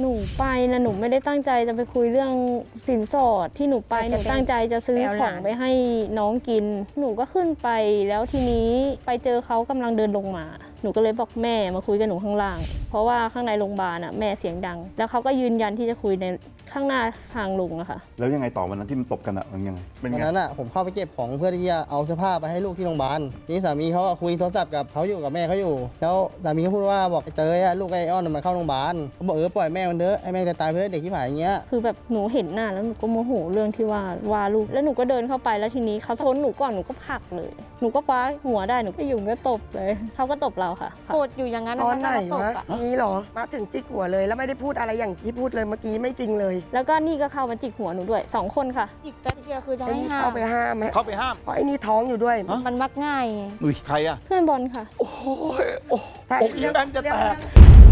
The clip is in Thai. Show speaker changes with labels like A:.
A: หนูไปนะหนูไม่ได้ตั้งใจจะไปคุยเรื่องสินสอดที่หนูไปหนูตั้งใจจะซื้อของไปให้น้องกินหนูก็ขึ้นไปแล้วทีนี้ไปเจอเขากำลังเดินลงมาหนูก็เลยบอกแม่มาคุยกับหนูข้างล่างเพราะว่าข้างในโรงพยาบาลอ่ะแม่เสียงดังแล้วเขาก็ยืนยันที่จะคุยในข้างหน้าทางลงอะค่ะ
B: แล้วยังไงต่อวันนั้นที่มันตบกันอะมันยังไงเป็น
C: วัน
B: ไง
C: นั้นอ่ะผมเข้าไปเก็บของเพื่อที่จะเอาเสื้อผ้าไปให้ลูกที่โรงพยาบาลนี่สามีเขาคุยโทรศัพท์กับเขาอยู่กับแม่เขาอยู่แล้วสามีก็พูดว่าบอกไอ้เตยลูกไอ้อ้อนมันเข้าโรงพยาบาลเขาบอกปล่อยแม่มันเถอะไอ้แม่จะตายเพื่อเด็กที่ผ่านอย่างเงี้ย
A: คือแบบหนูเห็นหน้าแล้วหนูก็โมโหเรื่องที่ว่าลูกแล้วหนูก็เดินเข้าไปแล้วทีนี้เขาชนหนูก่อนหนูก็ผลักเลยหนูก็คว้าหัวได้หนูก็ยุ่งก็ตบเลยเขาก็ตบเราค่ะ
D: โกรธอยู่อย่างนั้น
E: ตอนไหน
D: ตบ
E: วะ
D: อะ
E: นี่เหรอมาถึงจิกหัวเลยแล้วไม่ได้พูดอะไรอย่างที่พูดเลยเมื่อกี้ไม่จริงเลย
A: แล้วก็นี่ก็เข้ามาจิกหัวหนูด้วย2 คนค่ะ
D: อีกแป๊บเดียวคือจะ
E: ไอ้
D: ให้
E: นี่
D: ห้า
E: เข้าม ไปห้ามไหม
B: เข้าไปห้าม
E: เพราะไอ้นี่ท้องอยู่ด้วย
D: มันมักง่ายไง
B: อุ้ยใครอะ
A: เพื่อนบอลค่ะ
B: โอ้ยโอ้
E: ใช่
B: อกอีแบนจะแตก